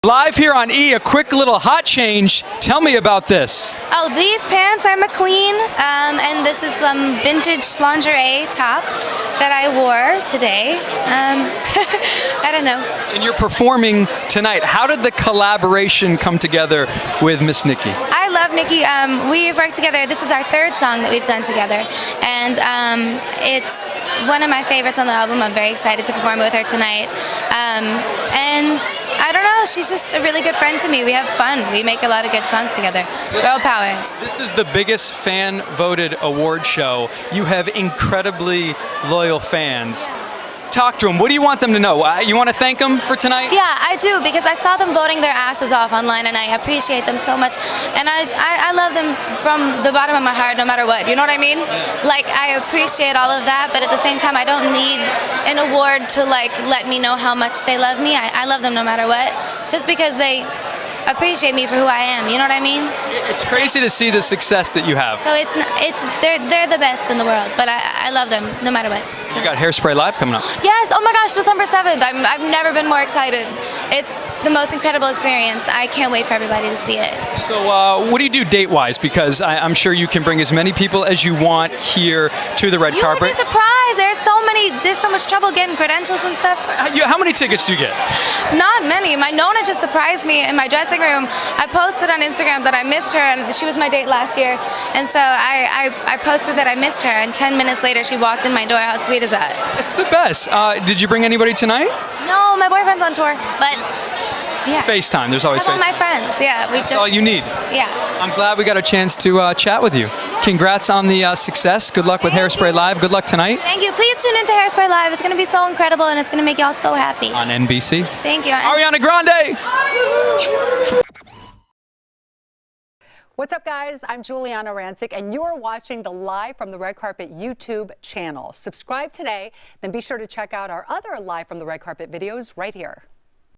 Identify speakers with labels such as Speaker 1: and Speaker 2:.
Speaker 1: Live here on E, a quick little hot change. Tell me about this.
Speaker 2: Oh, these pants are McQueen, and this is some vintage lingerie top that I wore today. I don't know.
Speaker 1: And you're performing tonight. How did the collaboration come together with Miss Nikki?
Speaker 2: I love Nikki. We've worked together. This is our third song that we've done together, and it's one of my favorites on the album. I'm very excited to perform with her tonight. And I don't know, she's just a really good friend to me. We have fun. We make a lot of good songs together. Girl power.
Speaker 1: This is the biggest fan-voted award show. You have incredibly loyal fans. Talk to them. What do you want them to know? You want to thank them for tonight?
Speaker 2: Yeah, I do, because I saw them voting their asses off online, and I appreciate them so much. And I love them from the bottom of my heart, no matter what. You know what I mean? Like, I appreciate all of that, but at the same time, I don't need an award to, like, let me know how much they love me. I love them no matter what, just because they appreciate me for who I am. You know what I mean?
Speaker 1: It's crazy to see the success that you have.
Speaker 2: So they're the best in the world, but I love them no matter what.
Speaker 1: You got Hairspray Live coming up.
Speaker 2: Yes, oh my gosh, December 7th. I've never been more excited. It's the most incredible experience. I can't wait for everybody to see it.
Speaker 1: So what do you do date-wise? Because I'm sure you can bring as many people as you want here to the red carpet.
Speaker 2: You would be surprised. There's so much trouble getting credentials and stuff.
Speaker 1: How many tickets do you get?
Speaker 2: Not many. My Nona just surprised me in my dressing room. I posted on Instagram that I missed her, and she was my date last year. And so I posted that I missed her, and 10 minutes later she walked in my door. How sweet is that?
Speaker 1: It's the best. Did you bring anybody tonight?
Speaker 2: No, my boyfriend's on tour, but yeah.
Speaker 1: FaceTime. There's always FaceTime.
Speaker 2: All my friends, yeah.
Speaker 1: That's all you need.
Speaker 2: Yeah.
Speaker 1: I'm glad we got a chance to chat with you. Congrats on the success. Good luck with Hairspray Live. Good luck tonight.
Speaker 2: Thank you. Please tune into Hairspray Live. It's going to be so incredible, and it's going to make y'all so happy.
Speaker 1: On NBC.
Speaker 2: Thank you.
Speaker 1: Ariana Grande.
Speaker 3: What's up, guys? I'm Juliana Rancic, and you're watching the Live from the Red Carpet YouTube channel. Subscribe today, then be sure to check out our other Live from the Red Carpet videos right here.